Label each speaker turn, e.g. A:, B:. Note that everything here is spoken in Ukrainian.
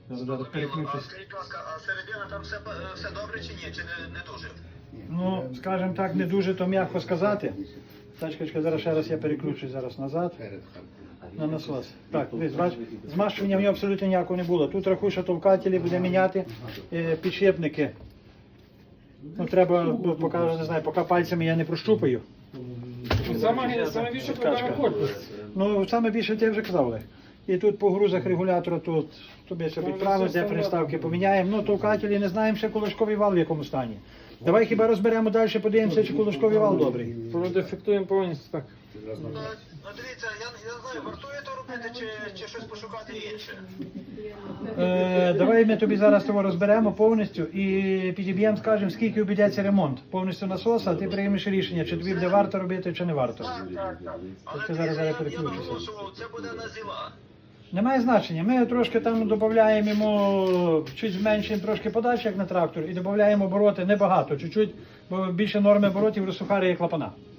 A: Зараз переключусь.
B: Скажіть, будь ласка, а середина там все добре чи ні? Чи не дуже?
A: Ну, скажімо так, не дуже то м'яко сказати. Тачка, зараз ще раз я переключусь зараз назад. На насос. Так, дивись, бач, змащування в нього абсолютно ніякого не було. Тут рахуй, що толкателі буде міняти, підшипники. Ну, треба, поки, не знаю, поки пальцями я не прощупаю.
C: Саме більше проблема корпус.
A: Ну, саме більше ти вже казав, Олег. І тут по грузах регулятора, тут тобі все підправимо, де приставки поміняємо. Ну, толкателі не знаємо, ще кулачковий вал в якому стані. Давай хіба розберемо далі, подивимося, чи кулачковий вал добрий.
C: Продефектуємо повністю так.
B: Ну дивіться, я не знаю, вартує то робити чи щось пошукати інше.
A: Давай ми тобі зараз того розберемо повністю і підіб'ємо, скажемо, скільки обійдеться ремонт повністю насоса, а ти приймеш рішення, чи тобі буде варто робити, чи не варто.
B: Так. Але
A: Ти
B: дивіться,
A: зараз
B: я
A: переключишся.
B: наголошував, це буде на зіла.
A: Немає значення. Ми трошки там додаємо йому, чуть зменшуємо трошки подачі, як на трактор, і додаємо обороти небагато, чуть-чуть, бо більше норми оборотів розсухарює клапана.